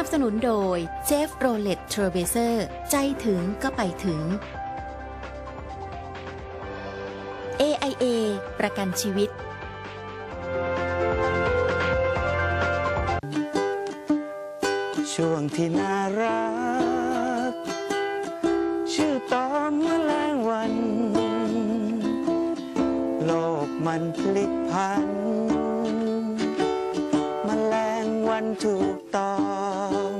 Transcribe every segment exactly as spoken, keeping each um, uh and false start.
บสนุนโดยเชฟโรเลตเทรเบเซอร์ใจถึงก็ไปถึง เอ ไอ เอ ประกันชีวิตช่วงที่น่ารักชื่อตอมแมลงวันโลกมันพลิกพันแมลงวันถูกตอม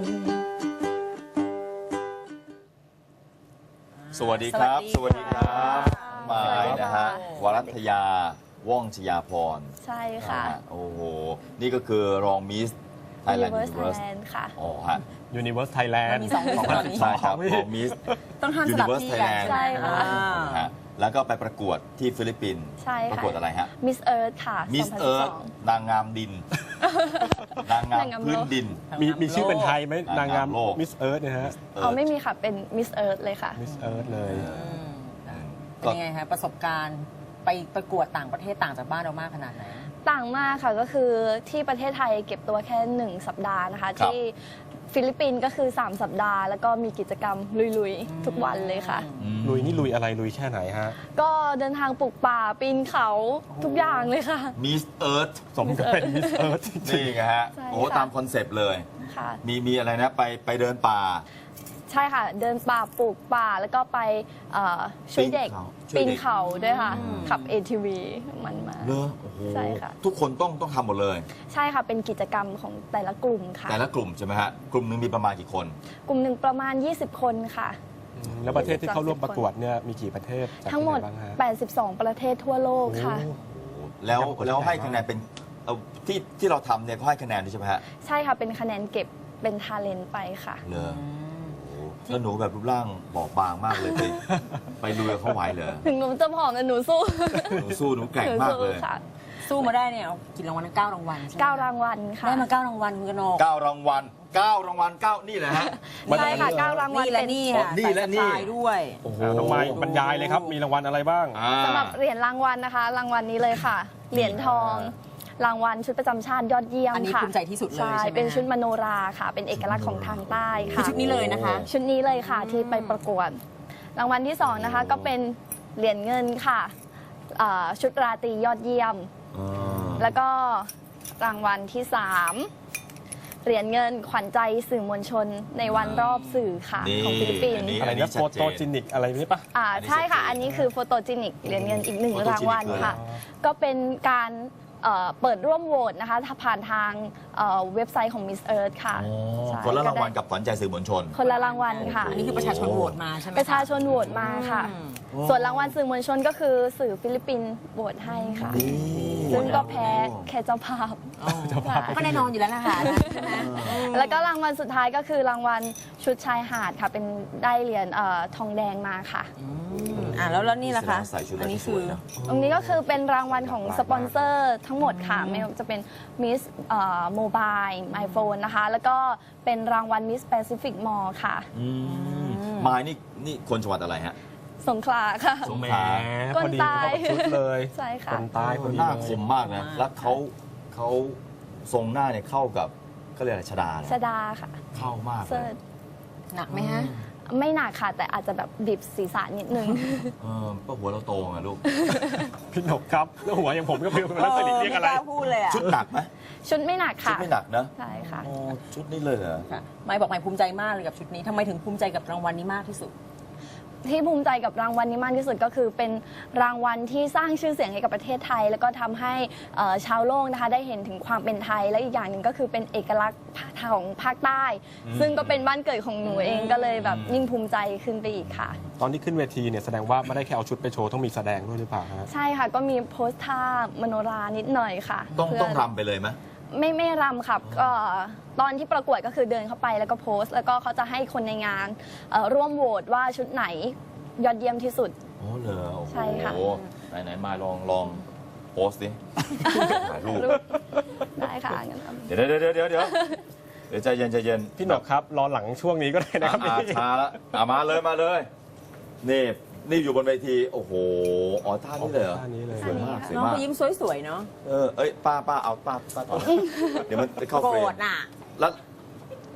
สวัสดีครับ สวัสดีครับมายนะฮะวรัตยา ว่องชยาพรใช่ค่ะนฮโอ้โห นี่ก็คือรองมิสไทยแลนด์ Universe ยูนิเวิร์ส Thailand ค่ะอ๋อฮะ Universe Thailand มีสองมิสตอนนี้ใช่ครับรองมิสต้องห้ามยูสนิลับเวิร์สที่ไทยกัแลนนด์ใช่ค่ะฮะแล้วก็ไปประกวดที่ฟิลิปปินส์ใช่ประค่ะกวดอะไรฮะ Miss Earth ค่ะมิสเอิร์ธสองพันสิบสองนางงามดิน นางงามนางงามโลกพื้นดินมีมีชื่อเป็นไทยไหมนางงามโลก Miss Earth เนี่ยฮะเอาไม่มีค่ะ เป็น Miss Earth เลยค่ะ Miss Earth เลยเป็นยังไงคะประสบการณ์ไปประกวดต่างประเทศต่างจากบ้านเรามากขนาดไหนต่างมากค่ะก็คือที่ประเทศไทยเก็บตัวแค่หนึ่งสัปดาห์นะคะครับที่ฟิลิปปินส์ก็คือสามสัปดาห์ แล้วก็มีกิจกรรมลุยๆ ทุกวันเลยค่ะลุยนี่ลุยอะไรลุยแค่ไหนฮะก็เดินทางปลูกป่าปีนเขาทุกอย่างเลยค่ะมิสเอิร์ธสมกับเป็น Miss Earth จริงนี่ไงฮะใช่โอ้ค่ะตามคอนเซปต์เลยค่ะมีมีอะไรนะ ไปไปเดินป่าใช่ค่ะ เดินป่าปลูกป่าแล้วก็ไปเอ่อช่วยเด็กปีนเขาช่วยเด็กปีนเขาด้วยค่ะอืมขับ เอ ที วี มันมาเลอโอ้โหใช่ค่ะทุกคนต้องต้องทำหมดเลยใช่ค่ะ เป็นกิจกรรมของแต่ละกลุ่มค่ะแต่ละกลุ่มใช่ไหมฮะ กลุ่มหนึงมีประมาณกี่คนกลุ่มหนึ่งประมาณ ยี่สิบ คนค่ะๆแล้วประเทศที่เข้าร่วมประกวดเนี่ยมีกี่ประเทศจากทั้งหมดที่ไนบ้างฮะแปดสิบสอง ประเทศทั่วโลกค่ะโอ้แล้วการประกวดแล้วให้ใหญ่มากคะแนนเป็นเอาที่ที่เราทำเนี่ยเขาให้คะแนนด้วยใช่ไหมฮะใช่ค่ะ เป็นคะแนนเก็บเป็นทาเลนต์ไปค่ะเลอโอ้โหแล้วหนูแบบรูปร่างบอบบางมากเลยไปไปลุยกับเขาไหวเหรอถึงหนูจะผอมแต่หนูสู้หนูสู้หนูแกร่งหนูมากสู้เลยค่ะสู้มาได้เนี่ยเอากี่รางวัลนะเก้ารางวัลใช่ไหมเก้ารางวัลค่ะได้มาเก้ารางวัลคุณกนกเก้ารางวัลเก้ารางวัลเก้านี่แหละฮะใช่ค่ะเก้ารางวัลนี่และเป็นนี่อ๋อค่ะนี่และนี่ใส่สไตล์ด้วยโอ้โหน้องไม้บรรยายเลยครับ มีรางวัลอะไรบ้างอ่าสำหรับเหรียญรางวัลนะคะ รางวัลนี้เลยค่ะ เหรียญทอง รางวัลชุดประจำชาติยอดเยี่ยมอันนี้ค่ะภูมิใจที่สุดเลยใช่ใช่ไหมเป็นฮะชุดมโนราค่ะ เป็นเอกลักษณ์ของทางใต้คือค่ะชุดนี้เลยนะคะชุดนี้เลยค่ะที่ไปประกวด รางวัลที่สองนะคะก็เป็นเหรียญเงินค่ะเอ่อชุดราตรียอดเยี่ยมอ่าแล้วก็รางวัลที่สามเหรียญเงินขวัญใจสื่อมวลชนในวันรอบสื่อค่ะนี่ของฟิลิปปินอัส์นนี้อะไรนะโฟโตจินิกอะไรนี่ปะอ่าอันนี้ใช่ค่ะชัดเจนอันนี้คือโฟโตจินิกเหรียญเงินอีกหนึ่ง Photogenic รางวัลค่ะเลยก็เป็นการเอ่อเปิดร่วมโหวตนะคะถ้าผ่านทางเอ่อเว็บไซต์ของ Miss Earth ค่ะอ๋อใช่คนละรางวัลก็ได้กับขวัญใจสื่อมวลชนคนละรางวัลค่ะอันนี้คือประชาชนโหวตมาใช่ไหมคประชาชนโหวตมาค่ะอืมส่วนรางวัลสื่อมวลชนก็คือสื่อฟิลิปปินส์โหวตให้ค่ะ ซึ่งก็แพ้แค่เจ้าภาพ ค่ะก็แน่นอนอยู่แล้วนะคะใช่ไหมแล้วก็รางวัลสุดท้ายก็คือรางวัลชุดชายหาดค่ะ เป็นได้เหรียญเอ่อทองแดงมาค่ะอืมอ่ะแล้วแล้วนี่ล่ะคะใส่ชุดอันนี้สคืวยอนะตรงนี้ก็คือเป็นรางวัลของสปอนเซอร์ทั้งหมดค่ะ ไม่ว่าจะเป็น Miss โมบายไอโฟนนะคะ แล้วก็เป็นรางวัล Miss Pacific Mall ค่ะอืมมายนี่นี่คนจังหวัดอะไรฮะสงขลาค่ะสงแหมขลาพอดีเข้ากับชุดเลยใช่ค่ะคนใต้พอดีหน้าเลคยมมากนะ แล้วเขาเขาทรงหน้าเนี่ยเข้ากับเขาเรียกอะไรชดาเนี่ยชดาค่ะเข้ามากเลเซิยร์ชหนักไหมฮะไม่หนักค่ะ แต่อาจจะแบบดิบศีรษะนิดนึงเออก็หัวเราโตไงลูกพี่หนกครับแล้วหัวอย่างผมก็ไม่รู้เป็นนักสลิดเรียกอะไรไม่กล้าพูดเลยอ่ะชุดหนักไหมชุดไม่หนักชุดค่ะไม่หนักนะใช่ค่ะโอ้ชุดนี้เลยเหรอค่ะไม่บอกไม่ภูมิใจมากเลยกับชุดนี้ทำไมถึงภูมิใจกับรางวัลนี้มากที่สุดที่ภูมิใจกับรางวัลนี้มากที่สุดก็คือเป็นรางวัลที่สร้างชื่อเสียงให้กับประเทศไทย แล้วก็ทำให้เอ่อชาวโลกนะคะได้เห็นถึงความเป็นไทย และอีกอย่างหนึ่งก็คือเป็นเอกลักษณ์ของภาคใต้ ซึ่งก็เป็นบ้านเกิดของหนูเองก็เลยแบบยิ่งภูมิใจขึ้นไปอีกค่ะตอนที่ขึ้นเวทีเนี่ยแสดงว่าไม่ได้แค่เอาชุดไปโชว์ต้องมีแสดงด้วยหรือเปล่าฮะใช่ค่ะก็มีโพสท่ามโนรานิดหน่อยค่ะต้องเพื่ต้องรำไปเลยไหมไม่ไม่รำค่ะก็ตอนที่ประกวดก็คือเดินเข้าไปแล้วก็โพสต์ แล้วก็เขาจะให้คนในงานเอ่อร่วมโหวตว่าชุดไหนยอดเยี่ยมที่สุดโอ้เหรอโอ้โหใช่ค่ะไหนไหนมาลองลองโพสต์ดิถ่ายรูปรูปได้ค่ะงั้นทำเดี๋ยวเดี๋ยวเดี๋ยวเดี๋ยวเดี๋ยวเดี๋ยวใจเย็นใจเย็นพี่หนกครับรอหลังช่วงนี้ก็ได้นะครับอ่าช้าละอ่ามาเลยมาเลยนี่นี่อยู่บนเวทีโอ้โหอ๋อท่านี้เลยเหรอท่านี้เลยสวยมากสวยน้องมากเขายิ้มสวยๆเนาะเออเอ้ยป้าป้าเอาป้าป้าต่อเดี๋ยวมันไปเข้าโกรเฟรมธน่ะแล้ว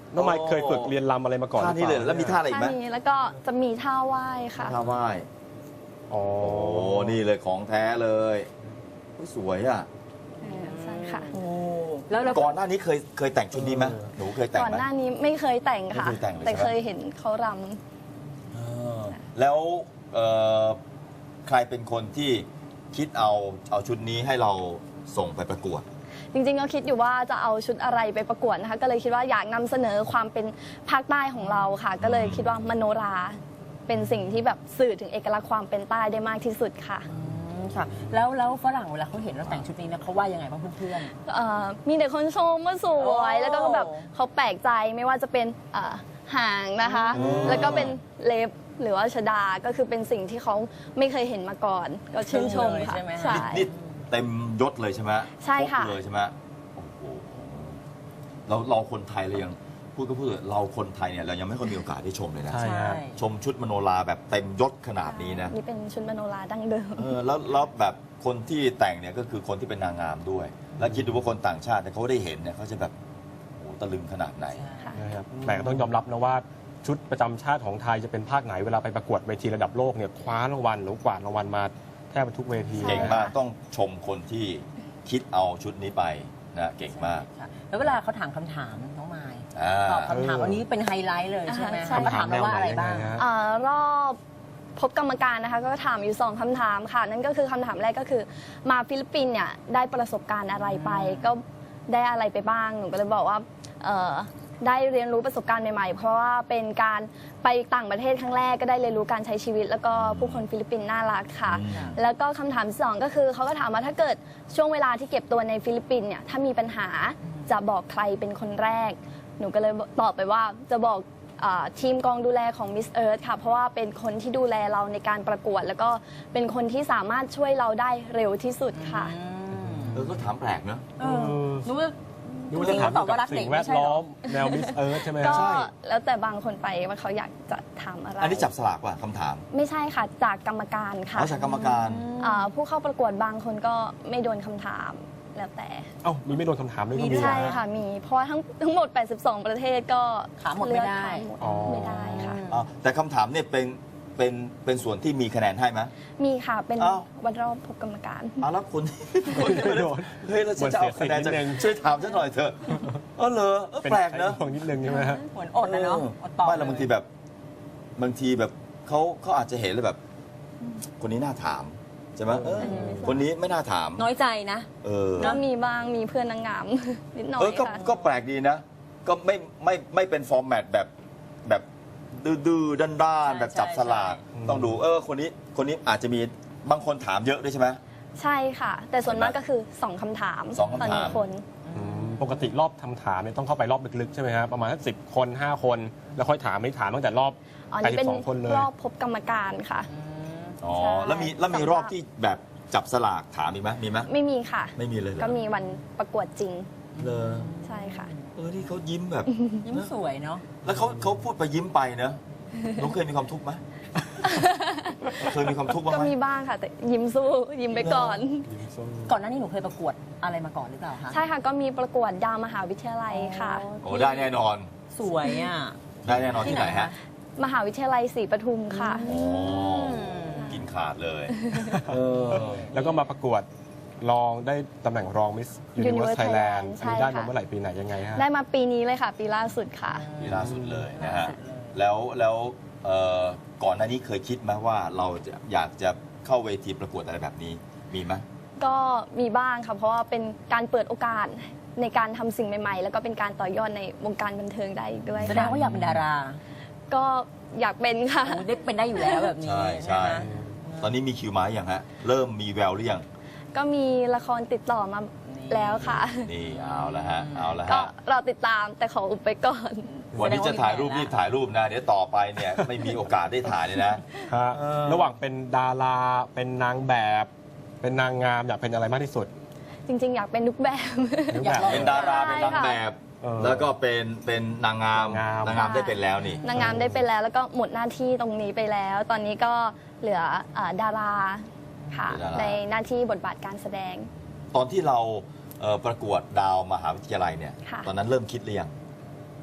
น้องไมค์เคยฝึกเรียนรำอะไรมาก่อนท่านี้เลยหรือปแล้วมีท่าอะไรอีกไหมท่านี้แล้วก็จะมีท่าไหว้ค่ะท่าไหว้อ๋อโอ้นี่เลยของแท้เลยโอ้ยสวยอ่ะใช่ค่ะโอ้แล้วแล้วก่อนหน้านี้เคยเคยแต่งชุดนี้ไหมหนูเคยแต่งก่อนไหมหน้านี้ไม่เคยแต่งค่ะไม่เคยแต่งเลยแต่ใช่ไหมเคยเห็นเขารเออแล้วเอ่อใครเป็นคนที่คิดเอาเอาชุดนี้ให้เราส่งไปประกวดำจริงๆก็คิดอยู่ว่าจะเอาชุดอะไรไปประกวดนะคะ ก็เลยคิดว่าอยากนำเสนอความเป็นภาคใต้ของเราค่ะ ก็เลยคิดว่ามโนราเป็นสิ่งที่แบบสื่อถึงเอกลักษณ์ความเป็นใต้ได้มากที่สุดค่ะอืมค่ะ แล้วแล้วฝรั่งเวลาเขาเห็นเราแต่งชุดนี้เนี่ยเขาว่ายังไงบ้างเพื่อนเอ่อมีแต่คนชมว่าสวยโอ้แล้วก็แบบเขาแปลกใจไม่ว่าจะเป็นเอ่อหางนะคะอืมแล้วก็เป็นเล็บหรือว่าชดาก็คือเป็นสิ่งที่เขาไม่เคยเห็นมาก่อน ก็ชื่นชมค่ะใช่ไหมใช่นี่เต็มยศเลยใช่ไหมใช่ค่ะครบเลยใช่ไหมโอ้โหเราเราคนไทยเรายังพูดก็พูดเถอะเราคนไทยเนี่ยเรายังไม่ค่อยมีโอกาสได้ชมเลยนะๆใช่ใช่ชมชุดมโนราแบบเต็มยศขนาดนี้นะนี่เป็นชุดมโนราดั้งเดิมเออแล้วแล้วแบบคนที่แต่งเนี่ยก็คือคนที่เป็นนางงามด้วย แล้วคิดดูว่าคนต่างชาติเนี่ยเขาได้เห็นเนี่ยเขาจะแบบโอ้โหตะลึงขนาดไหนค่ะนะครับแต่ก็ต้องยอมรับนะว่าชุดประจำชาติของไทยจะเป็นภาคไหนเวลาไปประกวดเวทีระดับโลกเนี่ยคว้ารางวัลหรือกวาดรางวัลมาแทบทุกเวทีเก่งมากต้องชมคนที่คิดเอาชุดนี้ไปนะเก่งมากค่ะแล้วเวลาเขาถามคำถามน้องไมค์อ่าตอบคำถามวันนี้เป็นไฮไลท์เลยใช่ไหมอ่าใช่เขามาถามเราว่าอะไรบ้างแนวหนยังไงฮะเอ่อรอบพบกรรมการนะคะ ก็ถามอยู่สองคำถามค่ะ นั่นก็คือคำถามแรกก็คือมาฟิลิปปินส์เนี่ยได้ประสบการณ์อะไรไป ก็ได้อะไรไปบ้างหนูก็เลยบอกว่าเอ่อได้เรียนรู้ประสบการณ์ใหม่ๆ เพราะว่าเป็นการไปต่างประเทศครั้งแรกก็ได้เรียนรู้การใช้ชีวิต แล้วก็ผู้คนฟิลิปปินส์น่ารักค่ะอืมแล้วก็คำถามที่สองก็คือเขาก็ถามว่าถ้าเกิดช่วงเวลาที่เก็บตัวในฟิลิปปินส์เนี่ยถ้ามีปัญหาจะบอกใครเป็นคนแรก หนูก็เลยตอบไปว่าจะบอกอาทีมกองดูแลของ Miss Earth ค่ะ เพราะว่าเป็นคนที่ดูแลเราในการประกวด แล้วก็เป็นคนที่สามารถช่วยเราได้เร็วที่สุดค่ะเออก็ถามแปลกเนอะเออรู้ว่าดูว่าจะถามตอบเกี่ยวว่ารักับกเด็สิ่กงแวไม่ดใช่เหรล้ออมแนวมิสเอิร์ธใช่ไหมก็ใช่แล้วแต่บางคนไปว่าเขาอยากจะถามอะไรอันนี้จับสลากว่ะคำถามไม่ใช่ค่ะจากกรรมการค่ะเอาจากกรรมการอ่าผู้เข้าประกวดบางคนก็ไม่โดนคำถามแล้วแต่เอ้ามีไม่โดนคำถามด้วยก็มีมีด้วยใช่เหรอค่ะมี เพราะว่าทั้งทั้งหมด แปดสิบสอง ประเทศก็ถามหมดไม่ได้เลือกถามหมดอ๋อไม่ได้ค่ะอ่ะแต่คำถามเนี่ยเป็นเป็นเป็นส่วนที่มีคะแนนให้ไหมมีค่ะเป็นอ้าววันรอบพบกรรมการเอาแล้วคุณคนที่ไม่โดนเฮ้ยเราจะเอาคะแนนจากเหมือนเสียสิทธิ์นิดนึงช่วยถามฉันหน่อยเถอะเออเหรอเออเป็นแปลกเนอะไอ้ห่วงนิดนึงใช่ไหมฮะเหมือนอดนะเนาะอดตอบไม่แล้วบางทีแบบบางทีแบบเขาเขาอาจจะเห็นเลยแบบ คนนี้น่าถามใช่ไหมเออคนนี้ไม่น่าถามน้อยใจนะเออก็มีบ้างมีเพื่อนนางงาม นิดหน่อเอย อก็ค่ะก็แปลกดีนะ ก็ไม่ไม่ไม่เป็นฟอร์แมตแบบแบบดื้อๆด้านๆใช่แบบจับสลากใช่ต้องดูเออคนนี้คนนี้อาจจะมีบางคนถามเยอะด้วยใช่ไหมใช่ค่ะ แต่ส่วนมากก็คือสองคำถามสองคำถามต่อหนึ่งคนอืมปกติรอบทำถามเนี่ยต้องเข้าไปรอบลึกๆใช่ไหมฮะประมาณสักสิบคนห้าคนแล้วค่อยถามไม่ถามตั้งแต่รอบอ๋อแปดนี่สิเป็นบสองคนเลยรอบพบกรรมการค่ะอ๋อใช่แล้วมีแล้วมีสำหรับรอบที่แบบจับสลากถามอีกไหมมีไหมไม่มีค่ะไม่มีเลยเหรอก็มีวันประกวดจริงเลยใช่ค่ะเออที่เขายิ้มแบบยิ้มสวยเนาะแล้วเขาเขาพูดไปยิ้มไปเนอะน้องเคยมีความทุกข์ไหม เคยมีความทุกข์บ้างก็ไหมมีบ้างค่ะ แต่ยิ้มสู้ยิ้มไปก่อนก่อนหน้านี้หนูเคยประกวดอะไรมาก่อนหรือเปล่าคะใช่ค่ะ ก็มีประกวดดาวมหาวิทยาลัยค่ะโอ้ได้แน่นอนสวยอ่ะได้แน่นอนที่ไหนฮะมหาวิทยาลัยศรีปทุมค่ะโอ้กินขาดเลยเออแล้วก็มาประกวดรองได้ตำแหน่งรองมิสยูนิเวอร์ Universe สไทยแลนด์ Thailand อันนี้ได้ใช่มาค่ะเมื่อไหร่ปีไหนยังไงฮะได้มาปีนี้เลยค่ะ ปีล่าสุดค่ะปีล่าสุดเลยนะฮะ แล้วแล้วเอ่อก่อนหน้านี้เคยคิดไหมว่าเราจะอยากจะเข้าเวทีประกวดอะไรแบบนี้ มีไหมก็มีบ้างค่ะ เพราะว่าเป็นการเปิดโอกาสในการทำสิ่งใหม่ๆ แล้วก็เป็นการต่อยอดในวงการบันเทิงได้อีกด้วยแสดงค่ะว่าอยากเป็นดาราก็อยากเป็นค่ะโอ้ได้เป็นได้อยู่แล้วแบบนี้ใช่ใช่ไหมตอนนี้มีคิวมาอย่างฮะ เริ่มมีแววหรือยังก็มีละครติดต่อมาแล้วค่ะนี่เอาละฮะ เอาละก็ฮะเราติดตามแต่ขออุบไปก่อนวันนี้จะถ่ายรูปรีบถ่ายรูปนะ เดี๋ยวต่อไปเนี่ย ไม่มีโอกาสได้ถ่ายเลยนะฮะเออระหว่างเป็นดาราเป็นนางแบบ เป็นนางงามอยากเป็นอะไรมากที่สุดจริงๆ อยากเป็นทุกแบบรูปอยากแบบลองเป็นดาราเป็นนางแบบเออแล้วก็เป็นเป็นนางงามนางงามนางงามได้เป็นแล้วนี่นางงามได้ไปแล้ว แล้วก็หมดหน้าที่ตรงนี้ไปแล้ว ตอนนี้ก็เหลือเอ่อดาราค่ะเหลือดาราในหน้าที่บทบาทการแสดงตอนที่เราเอ่อประกวดดาวมหาวิทยาลัยเนี่ยค่ะตอนนั้นเริ่มคิดหรือยัง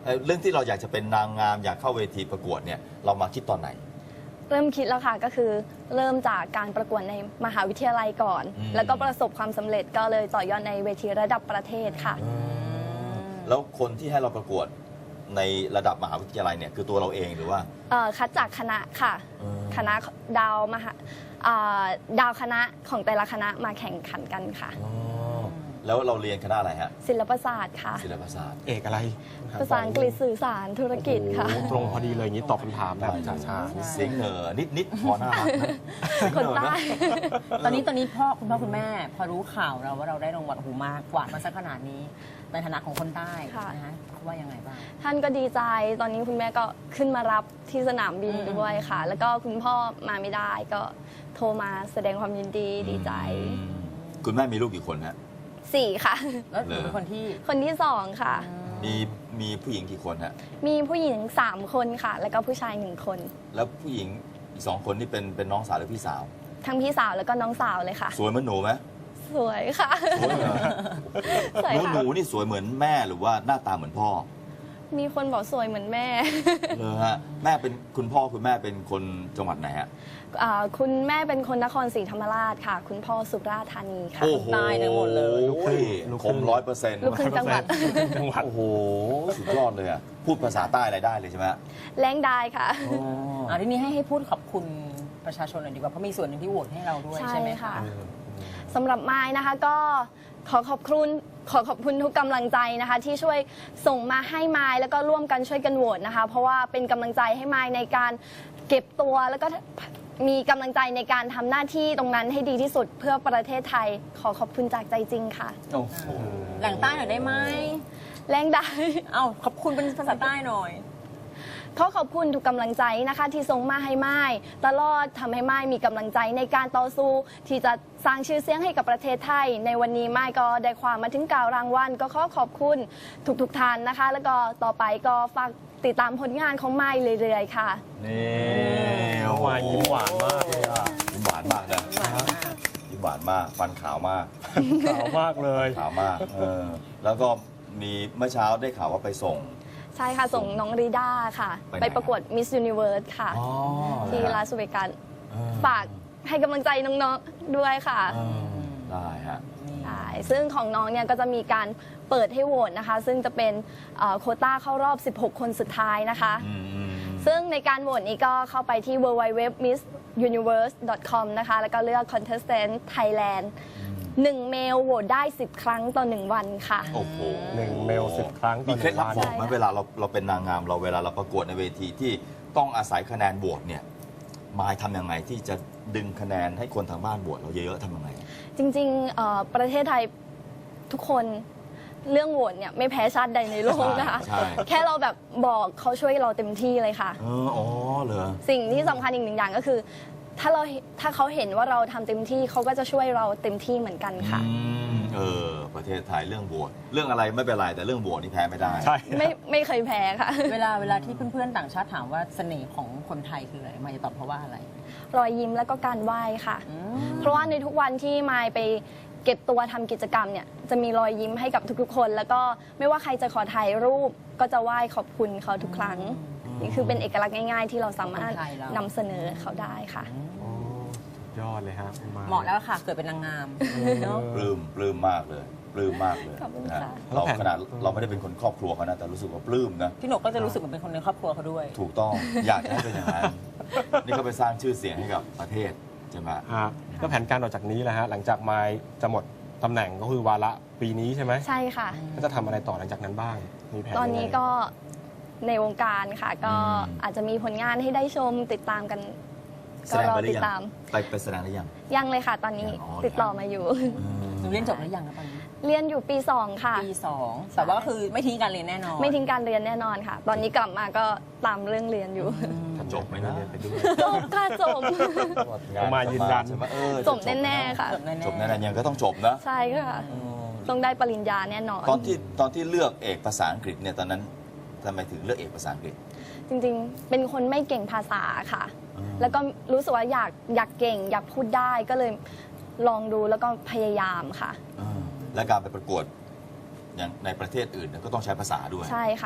เอ่อเรื่องที่เราอยากจะเป็นนางงามอยากเข้าเวทีประกวดเนี่ยเรามาคิดตอนไหนเริ่มคิดแล้วค่ะก็คือเริ่มจากการประกวดในมหาวิทยาลัยก่อนอืมแล้วก็ประสบความสำเร็จก็เลยต่อยอดในเวทีระดับประเทศค่ะแล้วคนที่ให้เราประกวดในระดับมหาวิทยาลัยเนี่ยคือตัวเราเองหรือว่าเอ่อคัดจากคณะค่ะอืมคณะดาวมหาอ่าดาวคณะของแต่ละคณะมาแข่งขันกันค่ะอ๋อแล้วเราเรียนคณะอะไรฮะศิลปศาสตร์ค่ะศิลปศาสตร์เอกอะไรภาษาอังกฤษสื่อสารธุรกิจค่ะโอ้โหตรงพอดีเลยอย่างนี้ตอบคำถามแบบช้าเสียงเหนอนิดนิดๆพอน่ารักนะเสียงคนเหอใต้นะตอนนี้ตอนนี้พ่อคุณพ่อคุณแม่ พอรู้ข่าวเราว่าเราได้รางวัลหูมากกวาดมาสักขนาดนี้ ในฐานะของคนใต้ค่ะนะฮะเขาว่ายังไงบ้างท่านก็ดีใจ ตอนนี้คุณแม่ก็ขึ้นมารับที่สนามบินอืมด้วยค่ะ แล้วก็คุณพ่อมาไม่ได้ก็โทรมาแสดงความยินดีดีใจอืมคุณแม่มีลูกกี่คนฮะสี่ค่ะแล้วหนูเป็นคนที่คนที่สองค่ะมีมีผู้หญิงกี่คนฮะมีผู้หญิงสามคนค่ะ แล้วก็ผู้ชายหนึ่งคนแล้วผู้หญิงอีกสองคนนี่เป็นเป็นน้องสาวหรือพี่สาวทั้งพี่สาวแล้วก็น้องสาวเลยค่ะสวยเหมือนหนูไหมสวยค่ะสวยเหรอสวยหนูค่ะหนูนี่สวยเหมือนแม่หรือว่าหน้าตาเหมือนพ่อมีคนบอกสวยเหมือนแม่เลยฮะแม่เป็นคุณพ่อคุณแม่เป็นคนจังหวัดไหนฮะอ่าคุณแม่เป็นคนนครศรีธรรมราชค่ะ คุณพ่อสุราษฎร์ธานีค่ะโอ้โหใต้ทั้งหมดเลยโอ้ยคมร้อยเปอร์เซ็นต์ลูกครึ่งจังหวัดจังหวัดโอ้โหสุดยอดเลยอ่ะพูดภาษาใต้อะไรได้เลยใช่ไหมฮะแรงได้ค่ะอ๋ออ่าทีนี้ให้ให้พูดขอบคุณประชาชนหน่อยดีกว่าเพราะมีส่วนหนึ่งที่โหวตให้เราด้วยใช่ใช่ไหมค่ะคะสำหรับไม้นะคะก็ขอขอบคุณขอขอบคุณทุกกำลังใจนะคะ ที่ช่วยส่งมาให้ไม้แล้วก็ร่วมกันช่วยกันโหวตนะคะ เพราะว่าเป็นกำลังใจให้ไม้ในการเก็บตัวแล้วก็มีกำลังใจในการทำหน้าที่ตรงนั้นให้ดีที่สุดเพื่อประเทศไทย ขอขอบคุณจากใจจริงค่ะโอ้โหแหล่งใต้หน่อยได้ไหมแรงได้เอ้าขอบคุณเป็นภาษาใต้หน่อยขอขอบคุณทุกกำลังใจนะคะ ที่ส่งมาให้ไม้ตลอดทำให้ไม้มีกำลังใจในการต่อสู้ ที่จะสร้างชื่อเสียงให้กับประเทศไทย ในวันนี้ไม้ก็ได้ความมาถึงกล่าวรางวัลก็ขอขอบคุณทุกๆท่านนะคะ แล้วก็ต่อไปก็ฝากติดตามผลงานของไม้เรื่อยๆค่ะนี่น้องมายยิ้มหวานมากเลยอ่ะยิ้มหวานมากนะยิ้มหวานมากฟันขาวมากขาวมากเลยขาวมากเออแล้วก็มีเมื่อเช้าได้ข่าวว่าไปส่งใช่ค่ะ ส่งน้องริด้าค่ะไปไหนไปประกวด Miss Universe ค่ะอ๋อที่ลาสเวกัสเออฝากให้กำลังใจน้องๆด้วยค่ะเออได้ฮะใช่ซึ่งของน้องเนี่ยก็จะมีการเปิดให้โหวตนะคะ ซึ่งจะเป็นเอ่อโควต้าเข้ารอบ สิบหก คนสุดท้ายนะคะอืมอืมซึ่งในการโหวตนี้ก็เข้าไปที่ ดับเบิลยู ดับเบิลยู ดับเบิลยู ดอท มิส ยูนิเวิร์ส ดอท คอม นะคะ แล้วก็เลือก Contestant Thailand หนึ่งเมลโหวตได้ สิบ ครั้งต่อ หนึ่ง วันค่ะโอ้โหหนึ่งเมลสิบครั้งต่มีอหเคล็นึ่ดงลับวันบอกไหมใช่ค่ะเวลาเราเราเป็นนางงามเราเวลาเราประกวดในเวทีที่ต้องอาศัยคะแนนโหวตเนี่ยมายทำยังไงที่จะดึงคะแนนให้คนทางบ้านโหวตเราเยอะๆทำยังไงจริงๆเอ่อประเทศไทยทุกคนเรื่องโหวตเนี่ยไม่แพ้ชาติใดในโลกนะคะใช่แค่เราแบบบอกเขาช่วยเราเต็มที่เลยค่ะเอออ๋อเหรอสิ่งที่สำคัญอีกหนึ่งอย่างก็คือ ถ้าเราถ้าเขาเห็นว่าเราทำเต็มที่เขาก็จะช่วยเราเต็มที่เหมือนกันค่ะอืมเออประเทศไทยเรื่องโหวตเรื่องอะไรไม่เป็นไรแต่เรื่องโหวตนี่แพ้ไม่ได้ใช่ไม่ไม่เคยแพ้ค่ะเวลาเวลาที่เพื่อนๆต่างชาติถามว่าเสน่ห์ของคนไทยคืออะไรมายจะตอบเพราะว่าอะไรรอยยิ้มแล้วก็การไหว้ค่ะอืมเพราะว่าในทุกวันที่มายไปเก็บตัวทำกิจกรรมเนี่ยจะมีรอยยิ้มให้กับทุกๆคน แล้วก็ไม่ว่าใครจะขอถ่ายรูปก็จะไหว้ขอบคุณเขาทุกครั้ง นี่คือเป็นเอกลักษณ์ง่ายๆ ที่เราสามารถคนไทยเรานำเสนอเขาได้ค่ะโอ้สุดยอดเลยฮะคุณมายเหมาะแล้วค่ะ เกิดเป็นนางงามเนาะปลื้มปลื้มมากเลยปลื้มมากเลยขอบคุณนะค่ะเราขนาดเราไม่ได้เป็นคนครอบครัวเขานะแต่รู้สึกว่าปลื้มนะพี่หนกก็จะรู้สึกเหมือนเป็นคนในครอบครัวเขาด้วยถูกต้องอยากจะให้เป็นอย่างนั้นนี่ก็ไปสร้างชื่อเสียงให้กับประเทศใช่ไหมฮะแล้วแผนการต่อจากนี้แหละฮะหลังจากมายจะหมดตำแหน่งก็คือวาระปีนี้ใช่ไหมใช่ค่ะก็จะทำอะไรต่อหลังจากนั้นบ้างมีแผนตอนนี้ยังไงก็ในวงการค่ะ ก็อืมอาจจะมีผลงานให้ได้ชมติดตามกันแสก็ดงรอไปหรืติอดยังตามไปไปแสดงหรือยังยังเลยค่ะ ตอนนี้ยังอ๋อติดต่อมาอยู่หนูเรียนจบหรือยังนะตอนนี้เรียนอยู่ปีสองค่ะปีสองแต่ว่าคือไม่ทิ้งการเรียนแน่นอนไม่ทิ้งการเรียนแน่นอนค่ะ ตอนนี้กลับมาก็ตามเรื่องเรียนอยู่ถ้าจบไหมนะเรียนไปด้วยจบค่ะจบงานมายืนยันใช่ไหมเออจบแน่ๆค่ะจบแน่ๆจบแน่ๆยังก็ต้องจบนะใช่ค่ะเออต้องได้ปริญญาแน่นอนตอนที่ตอนที่เลือกเอกภาษาอังกฤษเนี่ยตอนนั้นทำไมถึงเลือกเอกภาษาอังกฤษจริงๆ เป็นคนไม่เก่งภาษาค่ะอืมแล้วก็รู้สึกว่าอยากอยากเก่ง อยากพูดได้ก็เลยลองดูแล้วก็พยายามค่ะเออและการไปประกวดอย่างในประเทศอื่นเนี่ยก็ต้องใช้ภาษาด้วยใช่ค่ะอืม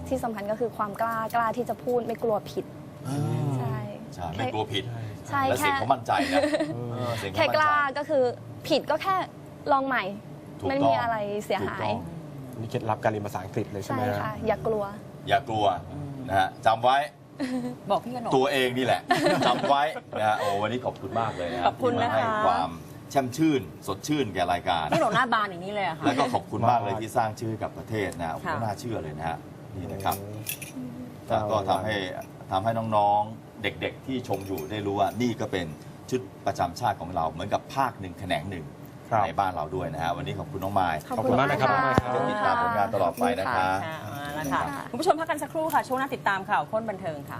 ที่สำคัญก็คือความกล้ากล้าที่จะพูดไม่กลัวผิดใช่ใช่ไม่กลัวผิดใช่และเสียงแค่เขามั่นใจนะเออเสียงเขาแค่มั่นกใจล้าก็คือผิดก็แค่ลองใหม่ถูกต้องไม่มีอะไรเสียหายถูกต้องนี่เคล็ดลับการเรียนภาษาอังกฤษเลยใช่ใช่ไหมฮะค่ะ อย่ากลัวอย่ากลัวนะฮะจำไว้บอกพี่กนกตัวเองนี่แหละ จำไว้นะฮะโอ้วันนี้ขอบคุณมากเลยนะขอบคุณที่มาให้นะคะความแช่มชื่น สดชื่นแก่รายการพี่กนกหน้าบานอย่างนี้เลยอะค่ะแล้วก็ขอบคุณมากเลยที่สร้างชื่อให้กับประเทศนะโอ้โหค่ะน่าเชื่อเลยนะฮะนี่นะครับครัแล้วบก็ทำให้ทำให้น้องๆเด็กๆที่ชมอยู่ได้รู้ว่านี่ก็เป็นชุดประจำชาติของเราเหมือนกับภาคหนึ่งแขนงหนึ่งครับในบ้านเราด้วยนะฮะวันนี้ขอบคุณน้องไม้ขอบขอบคุคุณ ณมามาก กนะนะคครัรับบจะติดตามผลงานตลอดไปนะคะค่ะเอาละค่ะคุณผู้ชมพักกันสักครู่ค่ะ ช่วงหน้าติดตามข่าวค้นบันเทิงค่ะ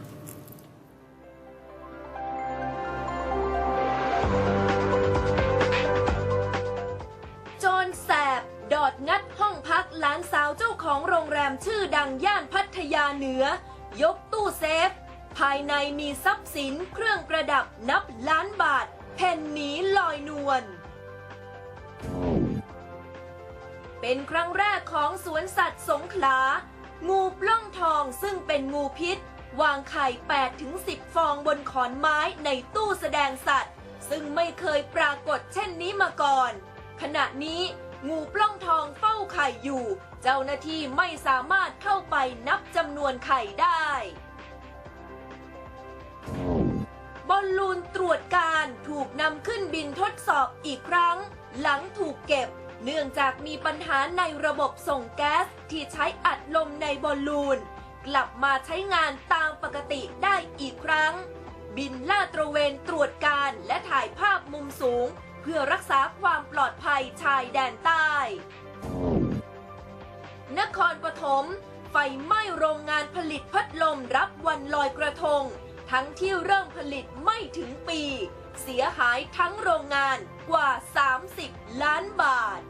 โจรแสบดอดงัดห้องพักหลานสาวเจ้าของโรงแรมชื่อดังย่านพัทยาเหนือ ยกตู้เซฟ ภายในมีทรัพย์สินเครื่องประดับนับล้านบาทแผ่นหนีลอยนวล เป็นครั้งแรกของสวนสัตว์สงขลา งูปล้องทองซึ่งเป็นงูพิษ วางไข่ แปดถึงสิบ ฟองบนขอนไม้ในตู้แสดงสัตว์ ซึ่งไม่เคยปรากฏเช่นนี้มาก่อน ขณะนี้งูปล้องทองเฝ้าไข่อยู่ เจ้าหน้าที่ไม่สามารถเข้าไปนับจำนวนไข่ได้ บอลลูนตรวจการถูกนำขึ้นบินทดสอบอีกครั้ง หลังถูกเก็บ เนื่องจากมีปัญหาในระบบส่งแก๊สที่ใช้อัดลมในบอลลูน กลับมาใช้งานตามปกติได้อีกครั้ง บินลาดตระเวนตรวจการและถ่ายภาพมุมสูง เพื่อรักษาความปลอดภัยชายแดนใต้ นครปฐมไฟไหม้โรงงานผลิตพัดลมรับวันลอยกระทง ทั้งที่เริ่มผลิตไม่ถึงปี เสียหายทั้งโรงงานกว่า สามสิบ ล้านบาท